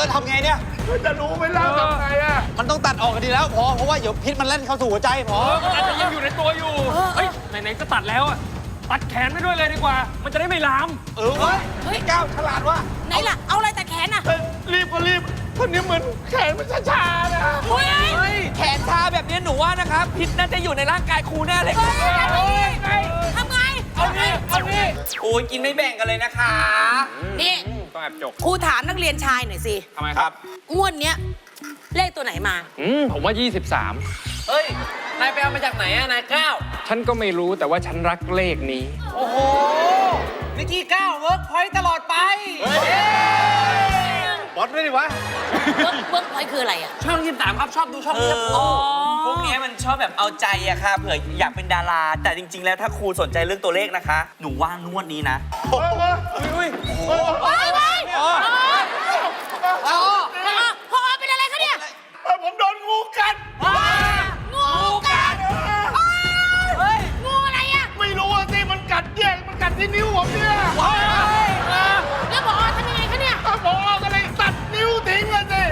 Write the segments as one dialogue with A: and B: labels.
A: แล้วทำไงเนี่ย
B: จะรู้ไหมล่ะทำไงอ่ะ
A: มันต้องตัดออกกันดีแล้วพอเพราะว่าเดี๋ยวพิษมันเล่นเข้าสู่หัวใจพอ
C: มันอาจจะยังอยู่ในตัวอยู่เฮ้ยไหนๆก็ตัดแล้วอะตัดแขนไปด้วยเลยดีกว่ามันจะได้ไม่ลาม
A: เฮ้ยก้าวฉลาดว่ะ
D: ไหนล่ะเอาอะไรแต่แขนอ่ะ
B: รีบก็รีบคนนี้เหมือนแขนมันชาๆนะ
E: แขนชาแบบนี้หนูว่านะครับพิษน่าจะอยู่ในร่างกายครูแน่เลย
D: ทำไง
E: เอานี่โอ้ยกินไม่แบ่งกันเลยนะคะ
D: นี่
C: ต้องแอบจก
D: ครูถามนักเรียนชายหน่อยสิ
C: ทำไมครับ
D: งวดเนี้ยเลขตัวไหนมา
C: ผมว่า23
E: เฮ้ยนายไปเอามาจากไหนอะนายก้าว
C: ฉันก็ไม่รู้แต่ว่าฉันรักเลขนี้
E: โอ้โหนิกกี้ก้าวเวิร์กพอยต์ตลอดไป
A: บอสด้วยดิวะ
D: เวิร์กพอยต์คืออะไรอ่ะ
E: ช่อง23ครับชอบดูช่องนี้พวกนี้มันชอบแบบเอาใจอะค่ะเผื่ออยากเป็นดาราแต่จริงๆแล้วถ้าครูสนใจเรื่องตัวเลขนะคะหนูว่างวดนี้นะ
D: พอเป็นอะไรคะเนี่ย
B: ผมโดนงูกัด
D: งูกัดงูอะไรอ่ะ
B: ไม่รู้ว่าสิมันกัดแยกมันกัดที่นิ้วผมเนี่ย
D: แล้วพอทำยังไงคะเนี่ย
B: พอก็เลยตัดนิ้วทิ้งเลยสิ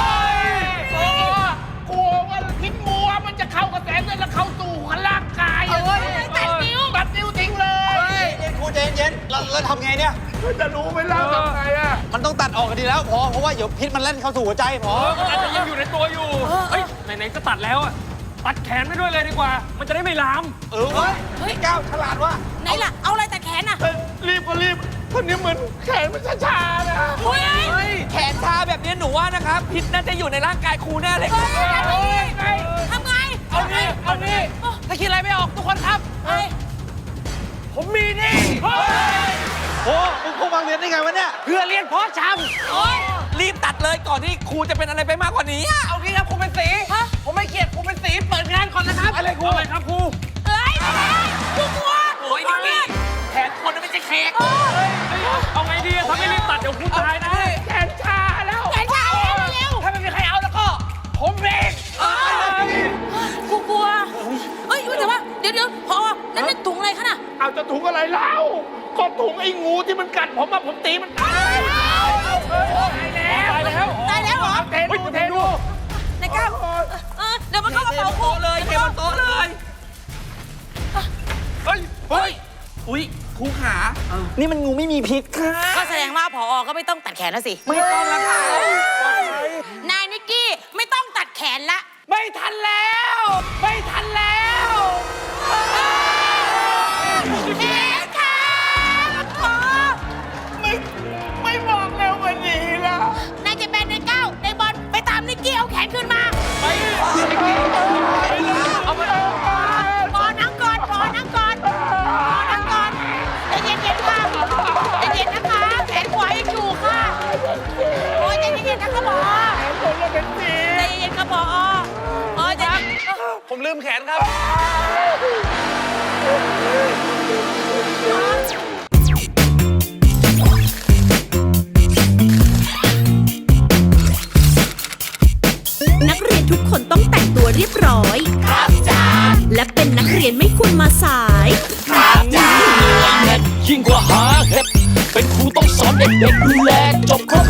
B: กลัวว่าพิษงูมันจะเข้ากระแสเลือดแล้วเข้าสู่ร่างกาย
D: ตัดนิ้ว
B: ทิ้งเลย
A: ครูใจเย็นแล้วทำไงเนี่ย
B: จะรู้ไหมล่ะทำไงอ่ะ
A: มันต้องตัดออกกันดีแล้วพอเพราะว่าเดี๋ยวพิษมันเล่นเข้าสู่หัวใจพอ
C: มันอาจจะยังอยู่ในตัวอยู่เฮ้ยไหนๆก็ตัดแล้วอะตัดแขนไปด้วยเลยดีกว่ามันจะได้ไม่ลาม
A: เฮ้ยก้าวฉลาดว่ะ
D: ไหนล่ะเอาอะไรแต่แขนอ่ะ
B: รีบก็รีบคนนี้เหมือนแขนมันชาๆนะ
E: แขนชาแบบนี้หนูว่านะครับพิษน่าจะอยู่ในร่างกายครูแน่เลย
D: ทำไง
E: เอานี่ถ้าคิดอะไรไม่ออกทุกคนครับผมมีนี่
A: โอ้มึงคงวางเรียนได้ไงวะเนี่ย
E: เพื่อเรียนเพาะชำรีบตัดเลยก่อนที่ครูจะเป็นอะไรไปมากกว่านี้เอางี้ครับครูเป็นสีผมไม่เกลียดครูเป็นสีเปิดงานก่อนนะครับ
C: อะไรครูอะไรครับครู
D: เฮ้ยครูกลัว
E: โอ้ยนี่แขนคนไม่ใช่เค้ก
C: เอาไงดีถ้าไม่รีบตัดเดี๋ยวครูตายนะ
B: แขนชาแล้ว
D: แขนชาแล้วเร็ว
E: ถ้าไม่มีใครเอาแล้วก็ผมเอง
D: ครูกลัวเฮ้ยแต่ว่าเดี๋ยวพอนั่นเป็นถุงอะไรคะน่ะ
B: เอาจะถุงอะไรเล่าก็ถุงไอ้งูที่มันกัดผมผมตีมันตาย
D: แล้วเหรอ
B: เทดู
D: ในก้าวเดี๋ยวมันเข้ากระเป๋าครู
E: เลยเก็บบนโต๊ะเลยเฮ้ยอุ้ยครูขานี่มันงูไม่มีพิษค่ะ
D: ก็แสดงว่าผอ.ก็ไม่ต้องตัดแขนแล้วสิ
E: ไม่ต้องแล้วค่ะ
D: นายนิกกี้ไม่ต้องตัดแขนละ
E: ไม่ทันแล้ว
D: แขนขาผอ.
B: ไม่บอกเร็วกว่านี้ล่ะ
D: นายจะเป็นในก้าวในบอลไปตามนิกกี้เอาแขนขึ้นมา
E: เอาไป
D: พอนั่งก่อนใจเย็นๆค่ะใจเย็นนะคะแขนขวายังอยู่ค่ะโอ้ยใจเย็นๆนะคะผอ.ใจเย็นๆค่ะผอ.ใจเย็น
E: ผมลืมแขนครับ
F: นักเรียนทุกคนต้องแต่งตัวเรียบร้อยครับจ้าและเป็นนักเรียนไม่ควรมาสาย
G: ครับจ้ายิ่งกว่าหาเห็ดเป็นครูต้องสอนเด็กๆดูแลจบครบ